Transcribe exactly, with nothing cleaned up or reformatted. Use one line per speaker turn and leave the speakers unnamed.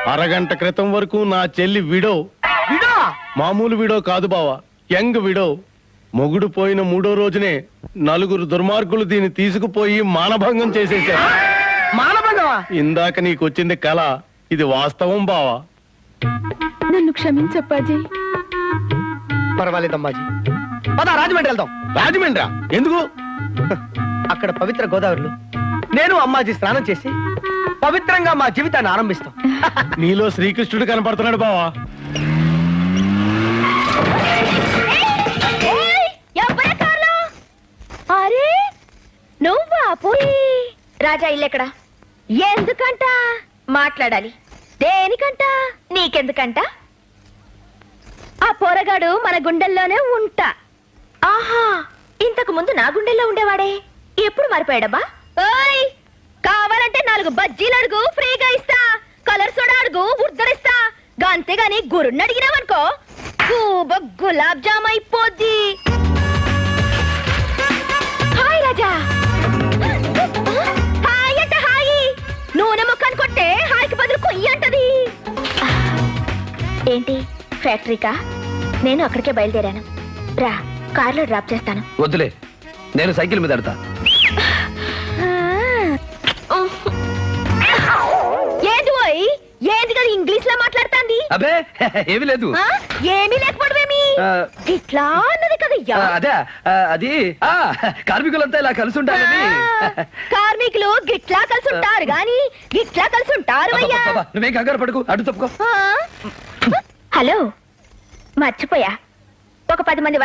అరగంట క్రితం వరకు నా చెల్లి విడో
విడో
మామూలు విడో కాదు బావా, యంగ్ విడో. మొగుడు పోయిన మూడో రోజునే నలుగురు దుర్మార్గులు దీన్ని తీసుకుపోయి మానభంగం చేసేశారు.
మానభంగమా?
ఇందాక నీకొచ్చింది కళ, ఇది వాస్తవం బావా.
నన్ను క్షమించప్పాజీ.
పర్వాలేదమ్మాజీ, పద రాజమండ్రి వెళ్దాం.
రాజమండ్రా ఎందుకు?
అక్కడ పవిత్ర గోదావరిలో నేను అమ్మాజీ స్నానం చేసి పవిత్రంగా మా జీవితాన్ని ఆరంభిస్తాం.
నీలో శ్రీకృష్ణుడు కనపడుతున్నాడు బావా.
అరే నువ్వా పోయి
రాజా ఇల్లెక్కడ?
ఎందుకంట?
మాట్లాడాలి.
దేనికంట?
నీకెందుకంట?
ఆ పోరగాడు మన గుండెల్లోనే ఉంటా.
ఆహా, ఇంతకు ముందు నా గుండెల్లో ఉండేవాడే, ఎప్పుడు మారిపోయాడబ్బా?
ఓయ్, కావాలంటే నాలుగు బజ్జీలు అడుగు, ఫ్రీగా ఇస్తా. కలర్ సోడా అడుగు, ఉద్దరిస్తా. అంతేగాని గురుణ్ణి అడిగినావనుకో గూబ గులాబ్ జామ్ అయిపోద్ది. హాయ్ రాజా. హాయ్ అంట హాయి. నూనె ముక్కను కొట్టే హాయికి బదులు కొయ్యి అంటది.
ఏంటి ఫ్యాక్టరీకా? నేను అక్కడికే బయలుదేరాను. రా, కార్లో డ్రాప్ చేస్తాను.
వద్దులే, నేను సైకిల్ మీద అడతా.
ఏంది పోయి ఏంది కదా ఇంగ్లీష్ లో మాట్లాడుతాంది?
అబే ఏమీ లేదు.
ఆ? ఏమీ లేకపోవడమేమి?
ఆ,
ఇట్లా అన్నది కదయ్యా.
ఆ, అదే ఆ, అది ఆ కార్మికులంతా ఇలా కలిసి ఉంటారని.
ఆ, కార్మికులు గిట్లా కలిసి ఉంటారు గాని గిట్లా కలిసి ఉంటారు అయ్యా.
అబ్బబ్బబ్బ, నువ్వేం కంగారు పడుకు, అడ్డు తప్పుకో.
ఆ?
హలో, మర్చిపోయా. ఒక పది మంది